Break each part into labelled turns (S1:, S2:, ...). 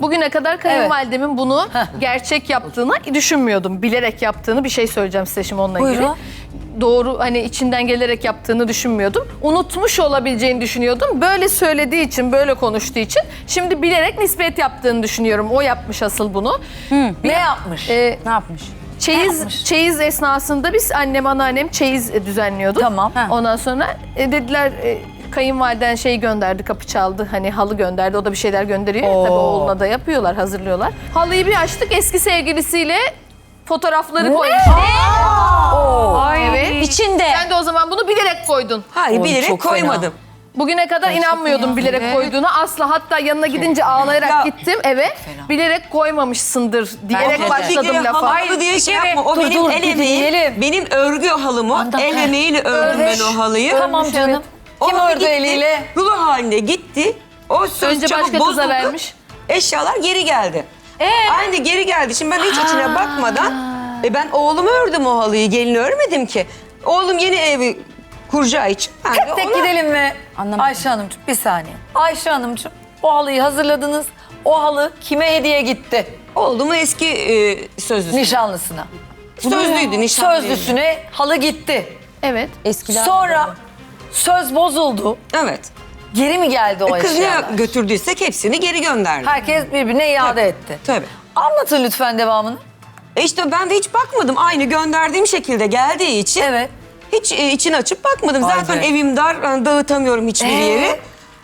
S1: Bugüne kadar kayınvalidemin bunu gerçek yaptığını düşünmüyordum. Bilerek yaptığını, bir şey söyleyeceğim size şimdi onunla ilgili.
S2: Buyurun.
S1: Doğru, hani içinden gelerek yaptığını düşünmüyordum. Unutmuş olabileceğini düşünüyordum. Böyle söylediği için, böyle konuştuğu için şimdi bilerek nispet yaptığını düşünüyorum. O yapmış asıl bunu.
S2: Ne yapmış?
S1: Ee,
S2: Ne yapmış?
S1: Çeyiz esnasında biz annem, anneannem çeyiz düzenliyorduk.
S2: Tamam.
S1: Ondan sonra dediler kayınvaliden şey gönderdi, kapı çaldı. Hani halı gönderdi. O da bir şeyler gönderiyor. Ya, tabii oğluna da yapıyorlar, hazırlıyorlar. Halıyı bir açtık, eski sevgilisiyle fotoğrafları koymuş. Evet.
S2: İçinde.
S1: Sen de o zaman bunu bilerek koydun.
S3: Hayır,
S2: Oy,
S3: bilerek
S2: çok
S3: koymadım.
S1: Bugüne kadar inanmıyordum bilerek koyduğuna. Asla, hatta yanına gidince ağlayarak
S3: Ya,
S1: gittim eve. Bilerek koymamışsındır diyerek
S2: de.
S1: başladım lafa.
S3: Halı diye şey yapma. O benim el emeğim. Benim örgü halımı. El emeğiyle ördüm ben o halıyı.
S2: Tamam canım. Kim
S3: O
S2: ördü
S3: gitti,
S2: eliyle?
S3: rulo halinde gitti. O söz
S1: Önce
S3: çabuk
S1: başka
S3: bozuldu.
S1: kıza vermiş.
S3: Eşyalar geri geldi. Aynı geri geldi. Şimdi ben hiç içine bakmadan ben oğlumu ördüm o halıyı. Gelini örmedim ki. Oğlum yeni evi kuracağı için ben de
S2: Tek
S3: ona...
S2: gidelim mi?
S4: Anlamadım.
S2: Ayşe Hanımcığım bir saniye. Ayşe Hanımcığım o halıyı hazırladınız. O halı kime hediye gitti?
S3: Oğlumu eski sözlüsü.
S2: Nişanlısına.
S3: Sözlüydü, nişanlıydı.
S2: Sözlüsüne halı gitti.
S1: Evet.
S4: Eskiler.
S2: Sonra söz bozuldu.
S3: Evet.
S2: Geri mi geldi o
S3: Kız ne
S2: eşyalar?
S3: götürdüysek hepsini geri gönderdi.
S2: Herkes birbirine iade etti.
S3: Tabii.
S2: Anlatın lütfen devamını.
S3: İşte ben de hiç bakmadım. Aynı gönderdiğim şekilde geldiği için
S2: Evet.
S3: hiç içini açıp bakmadım.
S2: Vay
S3: Zaten
S2: be.
S3: evim dar, yani dağıtamıyorum hiçbir yeri.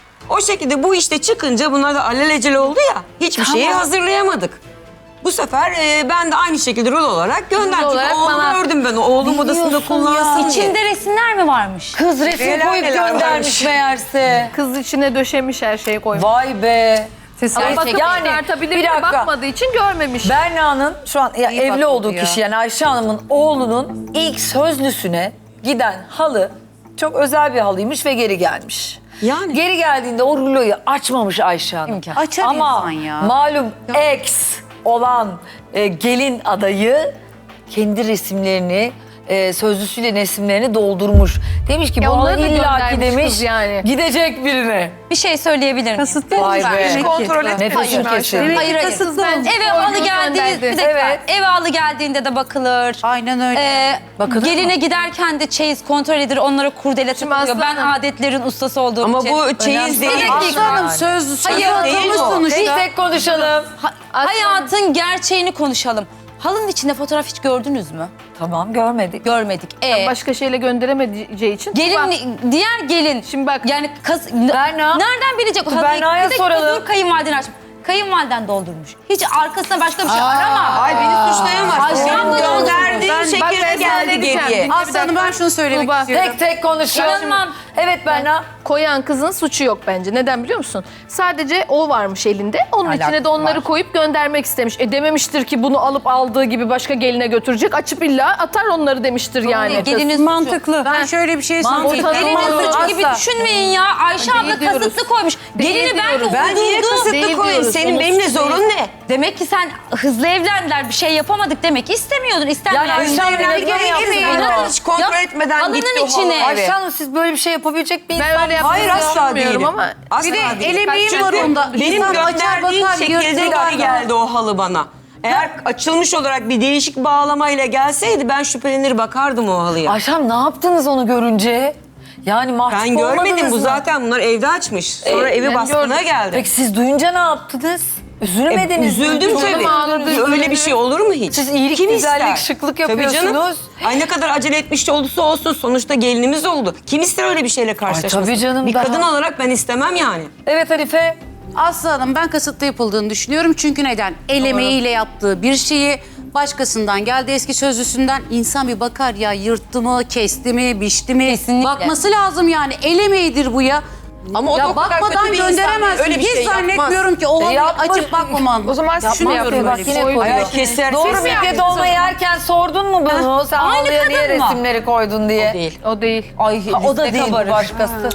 S3: O şekilde bu işte çıkınca bunlar da alelacele oldu ya. Hiçbir şeyi hazırlayamadık. Bu sefer ben de aynı şekilde rol olarak gönderdim.
S1: Rol olarak
S3: Oğlumu
S1: bana-
S3: ördüm ben. Oğlum odasında kullansın diye.
S4: İçinde resimler mi varmış?
S2: Kız resim
S3: Neler
S2: koyup
S3: neler
S2: göndermiş
S3: varmış.
S2: meğerse.
S1: Kız içine döşemiş, her şeyi koymuş.
S2: Vay be.
S1: Ama bakıp
S2: Yani,
S1: çıkartabilir
S2: bir
S1: mi?
S2: dakika.
S1: Bakmadığı için görmemiş.
S2: Berna'nın şu an ya evli olduğu kişi yani Ayşe Hanım'ın oğlunun ilk sözlüsüne giden halı çok özel bir halıymış ve geri gelmiş.
S3: Yani.
S2: Geri geldiğinde o ruloyu açmamış Ayşe Hanım.
S4: İmkan.
S5: Açar
S2: Ama
S5: insan ya.
S2: malum ex olan gelin adayı kendi resimlerini sözlüsüyle resimlerini doldurmuş. Demiş ki
S1: Ya
S2: bu halı
S1: onları da
S2: illaki
S1: göndermiş
S2: demiş
S1: kız yani.
S2: gidecek birine.
S4: Bir şey söyleyebilir miyim?
S2: Vay be.
S3: Kontrol etmedim.
S2: Nefesim kesildi.
S4: Hayır, hayır.
S1: Kasıtlı bence.
S4: Eve halı
S1: Koyduğunu
S4: geldiğinde,
S1: gönderdi.
S4: bir dakika.
S2: Evet.
S4: Eve halı geldiğinde de bakılır.
S5: Aynen öyle.
S2: Bakılır
S4: Geline
S2: mı?
S4: giderken de çeyiz kontrol edilir. Onlara kurdele takılıyor.
S1: Aslı
S4: Ben
S1: Hanım-
S4: adetlerin ustası olduğum
S3: Ama
S4: için.
S3: bu çeyiz değil.
S4: Bir dakika.
S5: Aslanım söz
S4: Hayır,
S5: değil sonuçta.
S2: Tek tek konuşalım.
S4: Hayatın gerçeğini konuşalım. Halının içinde fotoğraf hiç gördünüz mü?
S2: Tamam görmedik.
S4: Görmedik.
S1: Başka şeyle gönderemeyeceği için. Bak,
S4: Diğer gelin.
S1: Şimdi bak.
S4: Yani
S2: Berna.
S4: nereden bilecek?
S2: Dur,
S4: Halıyı
S2: Berna'ya
S4: bir dakika
S2: soralım.
S4: dur, kayınvaliden aç. Kayınvaliden doldurmuş. Hiç arkasına başka bir şey arama.
S3: Ay beni suçlayamazsın.
S4: Ayşe
S3: Benim
S4: abla
S3: gönderdiğim
S1: bak ben
S3: şekilde
S1: sana
S3: geldi
S1: diyeceğim.
S3: geriye.
S5: Aslanım ben şunu söylemek
S1: Tuğba.
S5: istiyorum.
S2: Tek tek konuşalım.
S4: İnanmam.
S2: Evet Berna.
S1: Koyan kızın suçu yok bence. Neden biliyor musun? Sadece o varmış elinde. Onun içine de onları koyup göndermek istemiş. Dememiştir ki bunu alıp aldığı gibi başka geline götürecek. Açıp illa atar onları demiştir yani.
S4: Gelinin
S5: Mantıklı. Ben şöyle bir şey söyleyeyim.
S1: Mantıklı.
S4: Gelinin
S1: Olmaz.
S4: suçu gibi
S2: Asla.
S4: düşünmeyin ya. Ayşe
S1: Değil
S4: abla
S1: diyoruz.
S4: kasıtlı koymuş.
S1: Değil
S4: Gelini belki
S1: diyoruz.
S3: Ben niye
S4: uydurdu.
S3: kasıtlı
S1: Değil
S3: koyayım?
S1: diyoruz.
S3: Senin
S1: Onun
S3: benimle
S1: suçu
S3: zorun
S1: değil.
S3: ne?
S4: Demek ki sen hızlı evlendiler, bir şey yapamadık demek istemiyordun.
S2: Yani
S4: İstenmeyen
S2: Ayşe Hanım
S3: evlendik,
S2: neden
S3: eve
S2: yaptınız
S3: girmeyin.
S2: bunu?
S3: Hiç kontrol etmeden
S4: Halının
S3: gitti o
S4: içine.
S3: halı eve.
S2: Ayşe Hanım siz böyle bir şey yapabilecek bir insan
S1: Ben öyle yaptığını
S3: Hayır asla
S1: sanmıyorum
S3: değilim.
S1: ama.
S3: Asla
S5: Bir de
S3: değilim.
S5: el emeği
S3: Çünkü
S5: var onda.
S3: Benim
S5: İnsan açar
S3: gönderdiğim
S5: bakar,
S3: şekilde
S5: yırtır.
S3: geri geldi o halı bana. Eğer açılmış olarak bir değişik bağlamayla gelseydi ben şüphelenir bakardım o halıya.
S2: Ayşe Hanım ne yaptınız onu görünce? Yani mahcup
S3: Ben görmedim,
S2: olmadınız
S3: bu
S2: mı?
S3: zaten bunlar evde açmış. Sonra evi
S1: ben
S3: baskına
S1: gördüm.
S3: geldi.
S2: Peki siz duyunca ne yaptınız? Üzülmediniz mi?
S3: Üzüldüm tabii.
S1: ağladı,
S3: Öyle bir şey olur mu hiç?
S2: Siz iyilik,
S3: Kim
S2: güzellik,
S3: ister?
S2: şıklık
S3: Tabii canım.
S2: yapıyorsunuz.
S3: Ay ne kadar acele etmiş olursa olsun sonuçta gelinimiz oldu. Kim ister öyle bir şeyle karşılaşmasın?
S2: tabii canım,
S3: Bir
S2: daha-
S3: kadın olarak ben istemem yani.
S2: Evet Hanife.
S5: Aslı Hanım ben kasıtlı yapıldığını düşünüyorum. Çünkü neden? El emeğiyle yaptığı bir şeyi başkasından geldi eski sözlüsünden insan bir bakar ya yırttı mı, kesti mi, biçti mi?
S4: Kesinlikle.
S5: Bakması lazım yani. El emeğidir bu ya.
S3: Ama o da
S5: Ya
S3: o kadar
S5: bakmadan
S3: kötü bir insan değil,
S5: gönderemezsin.
S3: öyle bir
S5: Hiç
S3: şey yapmaz.
S5: zannetmiyorum ki o halıyı
S2: yapma.
S5: açıp bakmaman.
S1: O zaman düşünüyorum.
S2: Bak yine koyuyor.
S3: Ay keser.
S2: Doğru
S3: Siz
S2: midye dolma yerken sordun mu bunu? Sen
S4: Aynı
S2: halıya niye
S4: kadın mı?
S2: resimleri koydun diye.
S3: değil.
S1: O değil.
S2: Ay
S4: o da
S2: liste
S4: değil,
S2: kabarır.
S4: bu
S2: Başkası.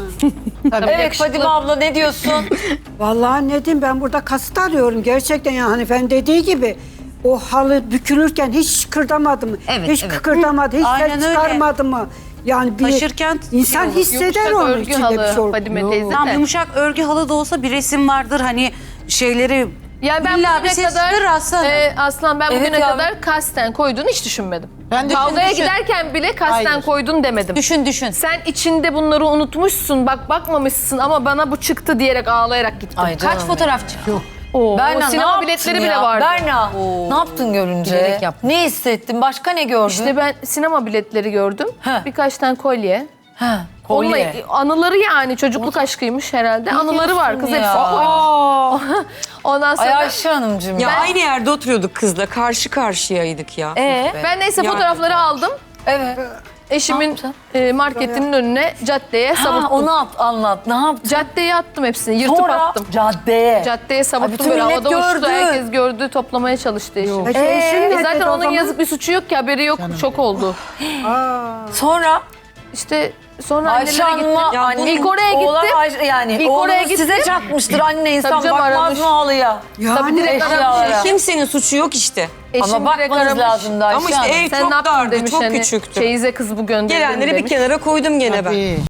S2: Evet Fadime abla ne diyorsun?
S6: Vallahi ne diyeyim ben burada kasıt arıyorum. Gerçekten yani Hanife'nin dediği gibi o halı bükülürken hiç kıkırdamadı mı?
S4: Evet,
S6: hiç
S4: evet.
S6: kıkırdamadı, hiç
S5: Aynen
S6: ses
S5: öyle.
S6: çıkarmadı mı? Yani bir
S5: Taşırken
S6: insan
S5: yok,
S6: hisseder
S1: Yumuşak
S6: onun
S1: örgü
S6: içinde bir
S1: halı
S6: şey.
S1: Fadime teyze
S5: Tam
S1: de.
S5: yumuşak örgü halı da olsa bir resim vardır. Hani şeyleri
S1: Yani ben
S5: İlla bir
S1: bugüne
S5: ses
S1: kadar
S5: çıkarır Aslı Hanım.
S1: Aslan ben
S5: İlla bir
S1: bugüne
S5: ses
S1: kadar
S5: çıkarır
S1: Aslan ben
S2: Evet
S1: bugüne
S2: ya.
S1: kadar kasten koyduğunu hiç düşünmedim.
S7: Ben de
S1: Kavgaya
S7: düşün.
S1: giderken bile kasten
S7: Hayır.
S1: koydun demedim.
S4: Düşün.
S1: Sen içinde bunları unutmuşsun, bak bakmamışsın ama bana bu çıktı diyerek ağlayarak gittim.
S2: Ay canım
S4: Kaç fotoğraf çıktı?
S1: Oo,
S2: Berna ne
S1: sinema
S2: yaptın
S1: biletleri
S2: ya?
S1: bile vardı.
S2: Berna ne yaptın görünce?
S4: Bilerek yaptım.
S2: Ne hissettin? Başka ne gördün?
S1: İşte ben sinema biletleri gördüm.
S2: He.
S1: Birkaç tane kolye.
S2: Ha,
S1: Onunla,
S2: kolye.
S1: anıları yani çocukluk aşkıymış herhalde. Anıları var kız
S2: ya?
S1: hepsi. Ondan
S2: Ay
S1: sonra
S2: Ayşe Hanımcığım.
S3: Ya aynı yerde oturuyorduk kızla. Karşı karşıyaydık ya.
S1: ben neyse
S3: Ya.
S1: fotoğrafları aldım.
S2: Evet.
S1: Eşimin marketinin önüne, caddeye
S2: Ha,
S1: savurttum.
S2: onu anlat. Ne yaptın?
S1: Caddeye attım hepsini, yırtıp
S2: Sonra
S1: attım.
S2: caddeye.
S1: Caddeye savurttum
S2: bütün
S1: böyle
S2: millet
S1: havada uçtu.
S2: gördü.
S1: Herkes gördü, toplamaya çalıştı eşim.
S6: Peki eşin ne
S1: Zaten
S6: dedi o
S1: onun
S6: zaman?
S1: yazık bir suçu yok ki, haberi yok, şok oldu.
S2: Sonra
S1: İşte sonra
S2: Ayşe
S1: annelere gittim.
S2: Hanım'a anne,
S1: İlk oraya gittim.
S2: oğlan Ayşe, yani
S1: İlk
S2: oğlunuz
S1: oraya gittim.
S2: size çakmıştır anne, insan
S1: Tabii canım,
S2: bakmaz
S1: aramış.
S2: mı halıya?
S1: Tabii direkt
S2: eşyalara.
S1: aramış.
S3: Kimsenin suçu yok işte.
S1: Eşim
S2: Ama
S1: direkt
S2: bakmanız
S1: aramış.
S2: lazımdı Ayşe
S3: Ama işte
S2: Hanım.
S3: ev
S1: Sen
S3: çok
S1: ne yaptın
S3: dardı,
S1: demiş
S3: çok
S1: hani,
S3: küçüktü.
S1: Çeyize kız bu gönderdi
S3: Gelenleri bir
S1: demiş.
S3: kenara koydum gene ben.